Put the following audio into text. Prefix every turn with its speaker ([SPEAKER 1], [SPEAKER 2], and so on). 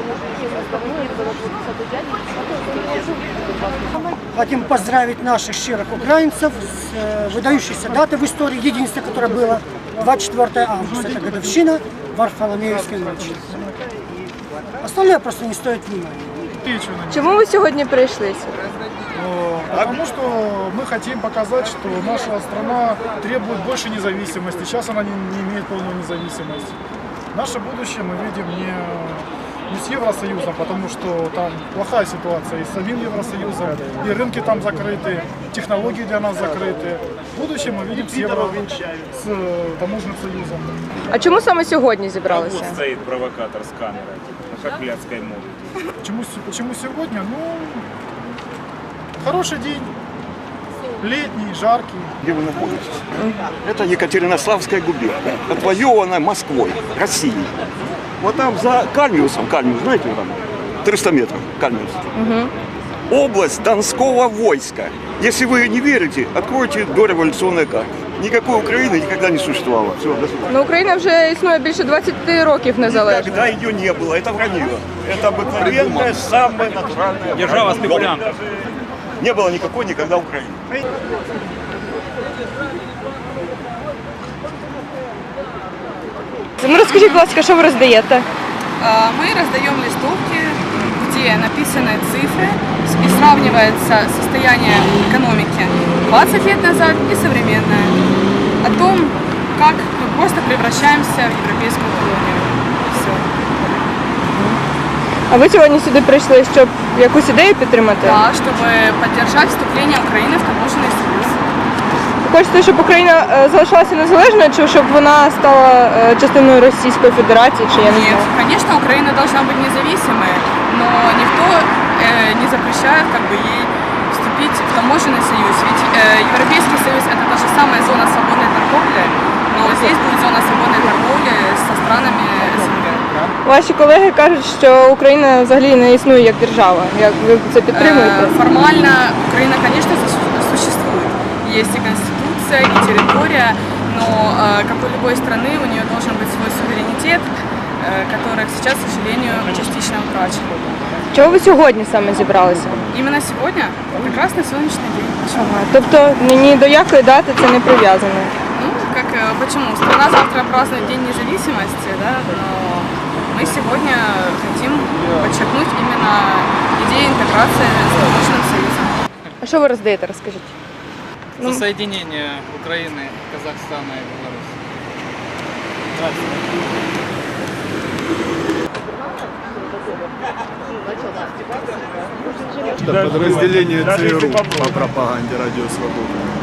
[SPEAKER 1] Хотим поздравить наших щирых украинцев с выдающейся датой в истории, единственной, которая была 24 августа. Это годовщина Варфоломеевской ночи. Остальное просто не стоит внимания.
[SPEAKER 2] Чому ви сьогодні прийшли сюди?
[SPEAKER 3] Потому что мы хотим показать, что наша страна требует больше независимости. Сейчас она не имеет полную независимость. Наше будущее мы видим не с Евросоюзом, потому что там плохая ситуация и с самим Евросоюзом, и рынки там закрыты, технологии для нас закрыты. Будущее мы видим с с таможенным союзом.
[SPEAKER 2] А чому саме сьогодні зібралися?
[SPEAKER 4] Вот стоит провокатор с камерой, как блядской моды.
[SPEAKER 3] Почему сегодня? Ну, хороший день, летний, жаркий.
[SPEAKER 5] Где вы находитесь? Это Екатеринославская губерния, отвоеванная Москвой, Россией. Вот там за Кальмиусом, знаете, там 300 метров, Кальмиус. Область Донского войска. Если вы не верите, откройте дореволюционные карты. Никакой Украины никогда не существовало. Все, до свидания.
[SPEAKER 2] Ну, Україна вже існує більше 20 років незалежно.
[SPEAKER 5] Никогда ее не было, это вранье. Это обыкновенная, самая натуральная
[SPEAKER 4] Держава спекулянтов.
[SPEAKER 5] Не было никакой никогда Украины.
[SPEAKER 2] Ну, розкажіть, будь ласка, що ви роздаєте?
[SPEAKER 6] Мы раздаем листовки, где написаны цифры и сравнивается состояние экономики 20 лет назад и современное. О том, как мы просто превращаемся в европейскую колонию. Все.
[SPEAKER 2] А ви сьогодні сюди прийшли, щоб якусь ідею підтримати?
[SPEAKER 6] Да, чтобы поддержать вступление Украины в таможенный союз.
[SPEAKER 2] Ви хочете, щоб Україна залишалася незалежною, чи щоб вона стала частиною Російської Федерації, чи я не
[SPEAKER 6] Нет,
[SPEAKER 2] знаю?
[SPEAKER 6] конечно, Украина должна быть независимой, но никто не запрещает ей вступить в таможенный союз. Ведь Европейский союз это та же самая зона свободной торговли, но здесь будет зона свободной торговли со странами СНГ.
[SPEAKER 2] Ваші колеги кажуть, що Україна взагалі не існує як держава. Як ви це підтримуєте?
[SPEAKER 6] Формально Украина, конечно, существует. Есть и конституция, и территория, но, как у любой страны, у нее должен быть свой суверенитет, который сейчас, к сожалению, частично утрачен.
[SPEAKER 2] Чого ви сьогодні саме зібралися?
[SPEAKER 6] Именно сегодня прекрасный солнечный день. Почему?
[SPEAKER 2] Ага. Тобто ні до якої дати це не прив'язано?
[SPEAKER 6] Ну, почему? Страна завтра празднует День независимости, да, но мы сегодня хотим подчеркнуть именно идею интеграции с таможенным союзом.
[SPEAKER 2] А що ви роздаєте, розкажіть?
[SPEAKER 7] За соединение Украины, Казахстана и Беларуси.
[SPEAKER 3] Подразделение ЦРУ по пропаганде Радио Свобода.